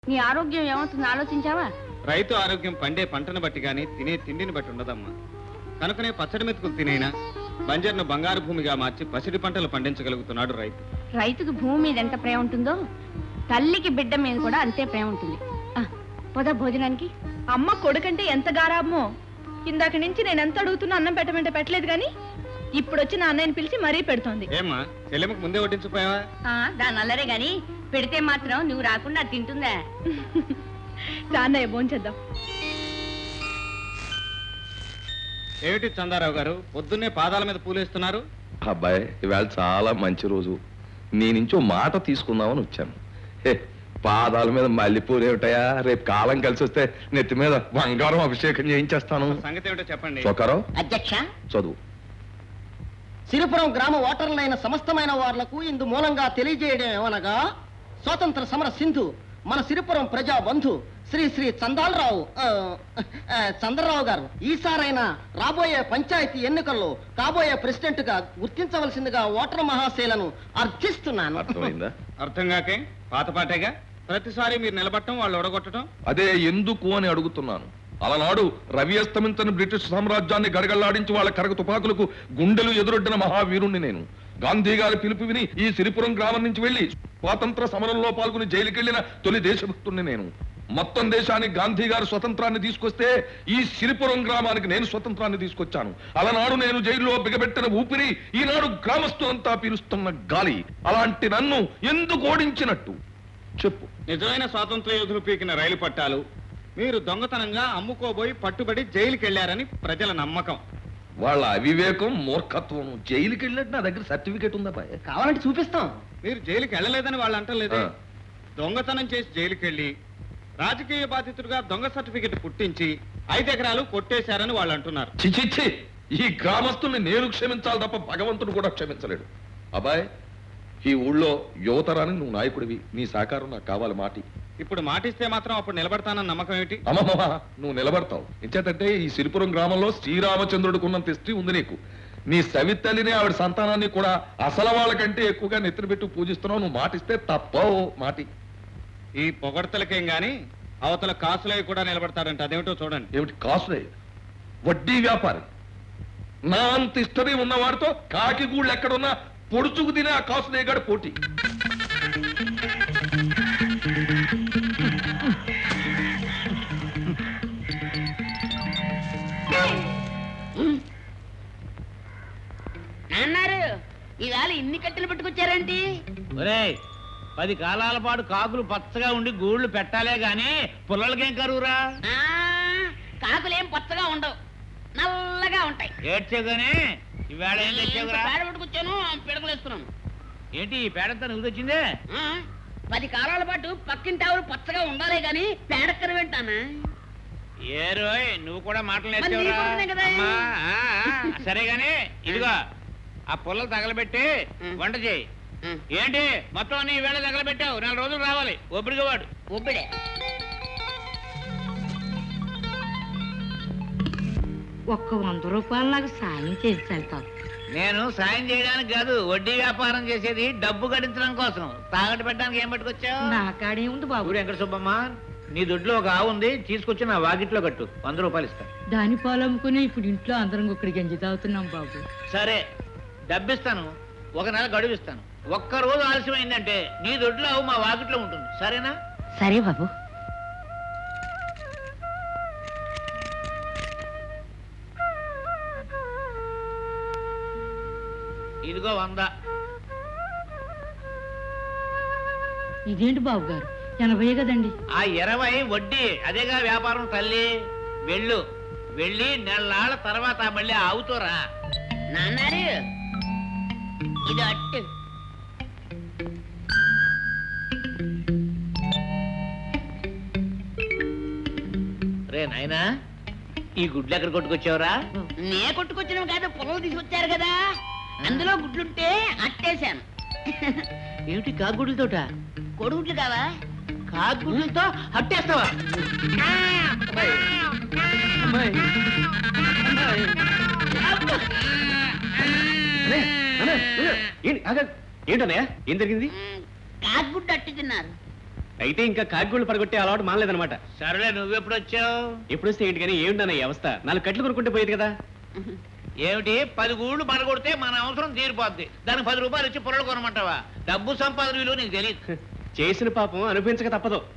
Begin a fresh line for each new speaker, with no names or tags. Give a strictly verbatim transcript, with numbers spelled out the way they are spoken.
నీ ఆరోగ్యం ఏమవుతుందో ఆలోచించావా?
రైతు ఆరోగ్యం పండే పంటను బట్టి గాని తినే తిండిని బట్టి ఉండదమ్మా. కనుకనే పచ్చడి మెతుకులు తినైనా బంజర్ను బంగారు భూమిగా మార్చి పసిడి పంటలు పండించగలుగుతున్నాడు రైతు.
రైతుకు భూమి మీద ఎంత ప్రేమ ఉంటుందో తల్లికి బిడ్డ మీద కూడా అంతే ప్రేమ ఉంటుంది. పోద భోజనానికి.
అమ్మ కొడుకంటే ఎంత గారాబమో. ఇందాక నుంచి నేను ఎంత అడుగుతున్నా అన్నం పెట్టమంటే పెట్టలేదు గాని ఇప్పుడు వచ్చి నా అన్నయ్యని పిలిచి మరీ పెడుతోంది.
ఏమ్మా చెల్లెమ్మకు ముందే వడ్డించిపోయావా?
దాని అల్లరే గాని పెడితే మాత్రం నువ్వు రాకుండా తింటుందా?
అన్నయ్య భోంచేద్దాం.
ఏమిటి చందారావు గారు పొద్దున్నే పాదాల మీద పూలేస్తున్నారు?
అబ్బాయి ఇవాళ చాలా మంచి రోజు, నీ నుంచి ఓ మాట తీసుకుందామని వచ్చాను. పాదాల మీద మల్లెపూలు ఏమిటయా, రేపు కాలం కలిసి వస్తే నెత్తి మీద బంగారం అభిషేకం చేయించేస్తాను.
సంగతి ఏమిటో చెప్పండి.
చొక్కారావు
అధ్యక్ష,
చదువు.
సిరిపురం గ్రామ ఓటర్లైన సమస్తమైన వార్లకు ఇందు మూలంగా తెలియజేయడం ఏమనగా, స్వాతంత్ర సమర సింధు మన సిరిపురం ప్రజా బంధు శ్రీ శ్రీ చందాలరావు చంద్రరావు గారు ఈసారైనా రాబోయే పంచాయతీ ఎన్నికల్లో కాబోయే ప్రెసిడెంట్ గా గుర్తించవలసిందిగా ఓటర్ మహాశైలను అర్థిస్తున్నాను.
అర్థమైందా?
అర్థం కాకే పాతపాటేగా ప్రతిసారి మీరు నిలబట్టడం వాళ్ళు ఒడగొట్టడం.
అదే ఎందుకు అని అడుగుతున్నాను. అలనాడు రవి అస్తమించని బ్రిటిష్ సామ్రాజ్యాన్ని గడగళ్లాడించి వాళ్ళ కరగ తుపాకులకు గుండెలు ఎదురొడ్డిన మహావీరుణ్ణి నేను. గాంధీ గారి పిలుపు విని ఈ సిరిపురం గ్రామం నుంచి వెళ్లి స్వాతంత్ర సమరంలో పాల్గొని జైలుకెళ్లిన తొలి దేశభక్తుణ్ణి నేను. మొత్తం దేశానికి గాంధీ గారు స్వతంత్రాన్ని తీసుకొస్తే ఈ సిరిపురం గ్రామానికి నేను స్వతంత్రాన్ని తీసుకొచ్చాను. అలనాడు నేను జైల్లో బిగబెట్టిన ఊపిరి ఈనాడు గ్రామస్తులంతా పీలుస్తున్న గాలి. అలాంటి నన్ను ఎందుకు ఓడించినట్టు చెప్పు.
నిజమైన స్వాతంత్ర యోధులు పీకిన రైలు పట్టాలు మీరు దొంగతనంగా అమ్ముకోబోయి పట్టుబడి జైలుకి వెళ్లారని ప్రజల నమ్మకం.
వాళ్ళ అవివేకం మూర్ఖత్వం. జైలుకి వెళ్ళినట్టు నా దగ్గర సర్టిఫికేట్ ఉందా బాయ్?
కావాలంటే చూపిస్తాం.
మీరు జైలుకి వెళ్ళలేదని వాళ్ళు అంటలేదే. దొంగతనం చేసి జైలుకి వెళ్ళి రాజకీయ బాధితుడుగా దొంగ సర్టిఫికెట్ పుట్టించి ఐదు ఎకరాలు కొట్టేశారని వాళ్ళు అంటున్నారు.
చిచిచ్చి, ఈ గ్రామస్తుల్ని నేను క్షమించాలి తప్ప భగవంతుడు కూడా క్షమించలేడు. అబ్బాయ్, ఈ ఊళ్ళో యువతరానికి నువ్వు నాయకుడివి, నీ సహకారం నాకు కావాలి. మాటి
ఇప్పుడు మాటిస్తే మాత్రం అప్పుడు నిలబడతానన్న నమ్మకం ఏమిటి?
అమ్మమ్మ, నువ్వు నిలబడతావు. ఎంచేతంటే ఈ సిరిపురం గ్రామంలో శ్రీరామచంద్రుడికి ఉన్నంత హిస్టరీ ఉంది నీకు. నీ సవితల్లిని ఆవిడ సంతానాన్ని కూడా అసలు వాళ్ళకంటే ఎక్కువగా నెత్తిన పెట్టి పూజిస్తున్నావు. నువ్వు మాటిస్తే తప్పవు. మాటి.
ఈ పొగడ్తలకేం గాని అవతల కాసులవి కూడా నిలబడతారంట. అదేమిటో చూడండి.
ఏమిటి కాసులే? వడ్డీ వ్యాపారి. నా అంత హిస్టరీ ఉన్నవాడితో కాకి గూళ్ళు ఎక్కడున్నా పొడుచుకు తినే ఆ కాసులేగాడు పోటీ.
అన్నారు ఇవాళ ఇన్ని కట్టెలు పట్టుకొచ్చారేంటి?
ఒరేయ్, పది కాలాల పాటు కాకులు పచ్చగా ఉండి గూళ్ళు పెట్టాలే గాని పుల్లలకేం కరువురా?
కాకులేం పచ్చగా ఉండవు, నల్లగా ఉంటాయి.
ఏడ్చేగానే ఇవాళ ఏం తెచ్చావురా?
పేడ పట్టుకొచ్చాను, పిడకలేస్తున్నాను.
ఏంటి ఈ పేడంతా నువ్వు తెచ్చిందే?
పది కాలాల పాటు పక్కింటి ఆవులు పచ్చగా ఉండాలే గాని పేడక్కర వింటానా?
ఏ రోయ్, నువ్వు కూడా మాటలు
మరి నీ కోసమే కదా.
నేర్చావురా? సరే గాని ఇదిగో ఆ పుల్లలు తగలబెట్టి వంట చేయి. ఏంటి మొత్తం నీ వేళ తగలబెట్టావు? నాలుగు రోజులు రావాలి. ఒబ్బడిగా వాడు
ఒబ్బిడే.
ఒక్క వంద రూపాయలు నాకు సాయం చేసి వెళ్తావు.
నేను సాయం చేయడానికి కాదు, వడ్డీ వ్యాపారం చేసేది డబ్బు గడించడం కోసం. తాగట్టు పెట్టడానికి ఏం పట్టుకొచ్చావు?
నా కాడే ఉంది బాబు.
ఊరు వెంకట సుబ్బమ్మ, నీ దొడ్లో ఒక ఆవు ఉంది, తీసుకొచ్చి నా వాకిట్లో కట్టు. వంద రూపాయలు ఇస్తా.
దాని పాలు అమ్ముకుని ఇప్పుడు ఇంట్లో అందరం ఒక్కడి గంజి తాగుతున్నాం బాబు.
సరే, డబ్బిస్తాను. ఒక నెల గడువు ఇస్తాను. ఒక్క రోజు ఆలస్యమైందంటే నీ దొడ్లో ఆవు మా వాకిట్లో ఉంటుంది. సరేనా?
సరే బాబు.
ఇదిగో వంద.
ఇదేంటి బాబు గారు, ఎనభై కదండి.
ఆ ఇరవై వడ్డీ. అదేగా వ్యాపారం తల్లి. వెళ్ళు, వెళ్ళి నెలనాళ్ళ తర్వాత మళ్ళీ ఆవుతోరా.
నాన్నారు ఇది అట్టు.
రే నాయనా, ఈ గుడ్లు ఎక్కడ కొట్టుకొచ్చావురా?
నే కొట్టుకొచ్చినవి కాదు, పొలం తీసుకొచ్చారు కదా, అందులో గుడ్లుంటే అట్టేశాను.
ఏమిటి కాగుడ్లతోట?
కొడుగుడ్లు కావా?
కాగుడ్లతో అట్టేస్తావా?
ఏంటన్నయ్య, ఏం జరిగింది?
కాకుగుడ్డు అట్టు తిన్నారు.
అయితే ఇంకా కాకిగూళ్ళు పడగొట్టే అలవాటు మానలేదన్నమాట.
సరేలే, నువ్వెప్పుడు వచ్చావు?
ఎప్పుడు వస్తే ఏంటి కానీ ఏమిటన్న ఈ అవస్థ? నాలుగు కట్లు కొనుక్కుంటే పోయేది కదా.
ఏమిటి, పది గూళ్ళు పడగొడితే మన అవసరం తీరిపోద్ది, దానికి పది రూపాయలు ఇచ్చి పొరలు కొనమంటావా? డబ్బు సంపాదన విలువ నీకు తెలియదు.
చేసిన పాపం అనుభవించక తప్పదు.